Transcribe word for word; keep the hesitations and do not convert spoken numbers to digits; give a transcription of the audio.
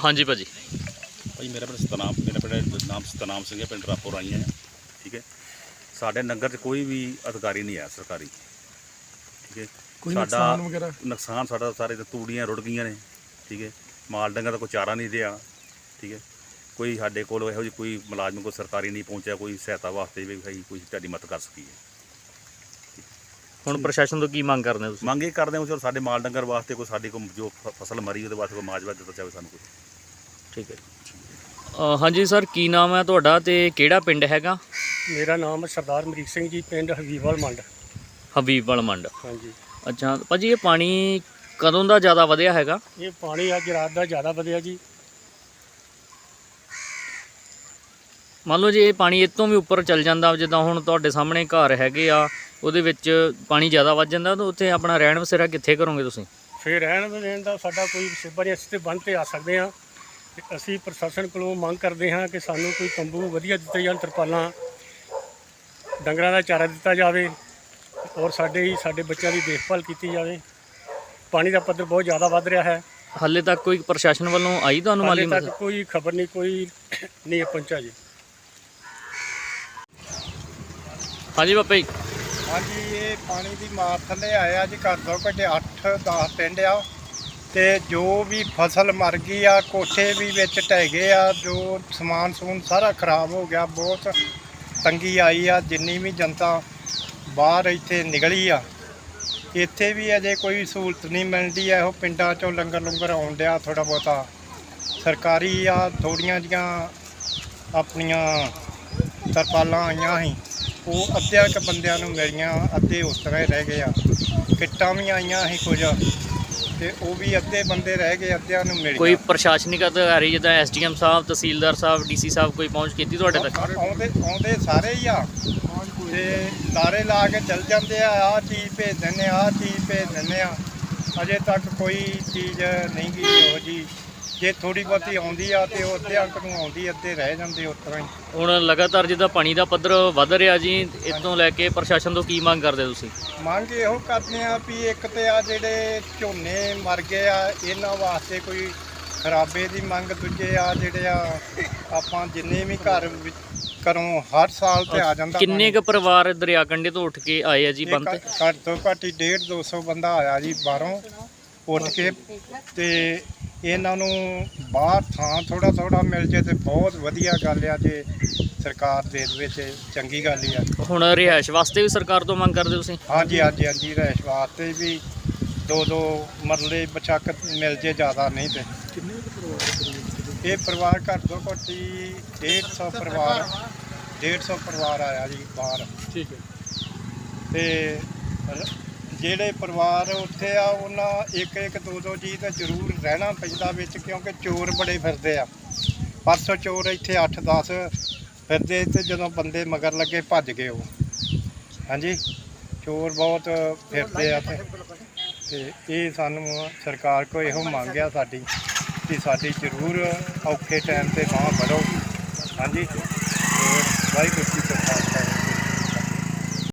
हाँ जी भाजी। भाई मेरा पिंड सतनाम, मेरा पिंड नाम सतनाम सिंह है, पिंड रापो राई है। ठीक है, साढ़े नगर च कोई भी अधिकारी नहीं है सरकारी। ठीक है, कोई साडा नुकसान वगैरह नुकसान साडा सारे तूड़ियाँ रुड़ गई ने। ठीक है, माल डंगर का कोई चारा नहीं दिया। ठीक है, कोई साडे कोल इहो जी कोई मुलाजम कोई सरकारी नहीं पहुँचा कोई सहायता वास्ते भी भाई कोई तुहाडी मदद कर सकी है। हुण प्रशासन तो की मंग करदे हो तुसीं? मंग ये करते हो चलो साडे माल डंगर वास्ते कोई साडी कोई जो फसल मरी ਉਹਦੇ वास्ते कोई मुआवजा दिता जाए सानू कोई। ठीक है जी। हाँ जी सर, की नाम है तुहाडा ते किहड़ा पिंड हैगा? मेरा नाम सरदार अमरीक सिंह जी, पिंड हबीबवाल मंड। हबीबवाल मंड। हाँ जी। अच्छा भाजी, ये पानी कदों ਦਾ ਜ਼ਿਆਦਾ ਵਧਿਆ ਹੈਗਾ? ये पानी अज रात का ज़्यादा ਵਧਿਆ जी। ਮੰਨ ਲਓ ਜੇ ਇਹ ਪਾਣੀ ਇਹ ਤੋਂ ਵੀ ਉੱਪਰ ਚੱਲ ਜਾਂਦਾ, ਜਿੱਦਾਂ ਹੁਣ ਤੁਹਾਡੇ ਸਾਹਮਣੇ ਘਰ ਹੈਗੇ ਆ ਉਹਦੇ ਵਿੱਚ ਪਾਣੀ ਜ਼ਿਆਦਾ ਵੱਧ ਜਾਂਦਾ ਤਾਂ ਉੱਥੇ ਆਪਣਾ ਰਹਿਣ ਵਸੇਰਾ ਕਿੱਥੇ ਕਰੋਗੇ ਤੁਸੀਂ? फिर रहन बहन का साडा कोई सिब्बा नहीं, असीं ते बंद पे आ सकते हाँ। ते असीं प्रशासन कोलों मंग करते हाँ कि सानू कोई तंबू वधिया दित्ते जाण, तरपालां, डंगरां दा चारा दित्ता जावे और साडे ही साडे बच्चों की देखभाल की जाए। पानी का पद्धर बहुत ज़्यादा वध रहा है। ਹਾਲੇ ਤੱਕ ਕੋਈ ਪ੍ਰਸ਼ਾਸਨ ਵੱਲੋਂ ਆਈ ਤੁਹਾਨੂੰ हाले ਮਾਲੀ तक ਮਦਦ? कोई खबर नहीं, कोई नहीं पहुँचा जी। ਹਾਂਜੀ ਬਾਪਾ ਜੀ। हाँ जी, ये पानी की मार थले आया जी, घर दो घटे अठ दस पिंड आ ते जो भी फसल मर गई आ, कोठे भी विच ढह गए आ, जो समान समून सारा खराब हो गया। बहुत तंगी आई आ, जिन्नी भी जनता बाहर इत्थे निकली आ, इत्थे भी अजे कोई सहूलत नहीं मिलती है। वो पिंडा चों लंगर लुंगर आउण डिया थोड़ा बहुता सरकारी आ, थोड़ियां जिहियां अपनियां तरपालां आईयां ही, वो अद्धिया क बंदियां नूं मिलियां, अद्धे उस तरह ही रह गए आ। किट्टां भी आईयां ही कुछ ते वो भी अद्धे बंदे रह गए, अद्धियां नूं मिलियां। ਕੋਈ ਪ੍ਰਸ਼ਾਸਨਿਕ ਅਧਿਕਾਰੀ ਜਿੱਦਾਂ ਐਸ ਡੀ ਐਮ ਸਾਹਿਬ, ਤਹਿਸੀਲਦਾਰ ਸਾਹਿਬ, ਡੀ ਸੀ ਸਾਹਿਬ ਕੋਈ ਪਹੁੰਚ ਕੀਤੀ ਤੁਹਾਡੇ ਤੱਕ? ਆਉਂਦੇ ਆਉਂਦੇ ਸਾਰੇ ਹੀ ਆ ਤੇ ਲਾਰੇ ਲਾ ਕੇ ਚਲ ਜਾਂਦੇ ਆ, ਆਹ ਚੀਜ਼ ਭੇਜ ਦਿੰਦੇ ਆ, ਆਹ ਚੀਜ਼ ਭੇਜ ਦਿੰਦੇ ਆ। ਅਜੇ ਤੱਕ ਕੋਈ ਚੀਜ਼ ਨਹੀਂ ਗਈ ਉਹ ਜੀ। ਜੇ ਥੋੜੀ ਬਹੁਤੀ ਆਉਂਦੀ ਆ ਤੇ ਉਹ ਅੱਧੇ ਅੰਕ ਨੂੰ ਆਉਂਦੀ, ਅੱਧੇ ਰਹਿ ਜਾਂਦੇ ਉਸ ਤਰ੍ਹਾਂ ਹੀ। ਹੁਣ ਲਗਾਤਾਰ ਜਿੱਦਾਂ ਪਾਣੀ ਦਾ ਪੱਧਰ ਵੱਧ ਰਿਹਾ ਜੀ, ਇਸ ਤੋਂ ਲੈ ਕੇ ਪ੍ਰਸ਼ਾਸਨ ਤੋਂ ਕੀ ਮੰਗ ਕਰਦੇ ਤੁਸੀਂ? ਮੰਗ ਇਹੋ ਕਰਦੇ ਆ ਵੀ ਇੱਕ ਤੇ ਆ ਜਿਹੜੇ ਝੋਨੇ ਮਰ ਗਏ ਆ, ਇਹਨਾਂ ਵਾਸਤੇ ਕੋਈ ਖਰਾਬੇ ਦੀ ਮੰਗ। ਦੂਜੇ ਆ ਜਿਹੜੇ ਆ ਆਪਾਂ ਜਿੰਨੇ ਵੀ ਘਰ ਵਿੱਚ ਘਰੋਂ ਹਰ ਸਾਲ ਤੇ ਆ ਜਾਂਦਾ। ਕਿੰਨੇ ਕੁ ਪਰਿਵਾਰ ਦਰਿਆ ਕੰਢੇ ਤੋਂ ਉੱਠ ਕੇ ਆਏ ਆ ਜੀ ਬੰਦ ਤੇ? ਘੱਟ ਤੋਂ ਘੱਟ ਹੀ ਡੇਢ ਦੋ ਸੌ ਬੰਦਾ ਆਇਆ ਜੀ ਬਾਹਰੋਂ ਉੱਠ ਕੇ। ਤੇ ਇਹਨਾਂ ਨੂੰ ਬਾਹਰ ਥਾਂ ਥੋੜਾ ਥੋੜਾ ਮਿਲ ਜੇ ਤੇ ਬਹੁਤ ਵਧੀਆ ਗੱਲ ਆ, ਜੇ ਸਰਕਾਰ ਦੇ ਵਿੱਚ ਚੰਗੀ ਗੱਲ ਹੀ ਆ। ਹੁਣ ਰਿਹਾਇਸ਼ ਵਾਸਤੇ ਵੀ ਸਰਕਾਰ ਤੋਂ ਮੰਗ ਕਰਦੇ ਤੁਸੀਂ? ਹਾਂਜੀ ਹਾਂਜੀ ਹਾਂਜੀ, ਰਿਹਾਇਸ਼ ਵਾਸਤੇ ਵੀ ਦੋ ਦੋ ਮਰਲੇ ਬਚਕ ਮਿਲ ਜੇ, ਜ਼ਿਆਦਾ ਨਹੀਂ ਤੇ। ਇਹ ਪਰਿਵਾਰ ਘੱਟ ਤੋਂ ਘੱਟ ਹੀ ਡੇਢ ਸੌ ਪਰਿਵਾਰ ਡੇਢ ਸੌ ਪਰਿਵਾਰ ਆਇਆ ਜੀ ਬਾਹਰ। ठीक है। ਤੇ ਜਿਹੜੇ ਪਰਿਵਾਰ ਉੱਥੇ ਆ ਉਹਨਾਂ ਇੱਕ ਇੱਕ ਦੋ ਦੋ ਜੀ ਤਾਂ ਜ਼ਰੂਰ ਰਹਿਣਾ ਪੈਂਦਾ ਵਿੱਚ, ਕਿਉਂਕਿ ਚੋਰ ਬੜੇ ਫਿਰਦੇ ਆ। ਪਰਸੋਂ ਚੋਰ ਇੱਥੇ ਅੱਠ ਦਸ ਫਿਰਦੇ ਤੇ ਜਦੋਂ ਬੰਦੇ ਮਗਰ ਲੱਗੇ ਭੱਜ ਗਏ ਉਹ। ਹਾਂਜੀ, ਚੋਰ ਬਹੁਤ ਫਿਰਦੇ ਆ ਤੇ ਤੇ ਇਹ ਸਾਨੂੰ ਸਰਕਾਰ ਕੋਲ ਇਹੋ ਮੰਗ ਆ ਸਾਡੀ ਕਿ ਸਾਡੀ ਜ਼ਰੂਰ ਔਖੇ ਟਾਈਮ 'ਤੇ ਬਾਂਹ ਵਧੋ। ਹਾਂਜੀ, ਵਾਹਿਗੁਰੂ ਜੀ।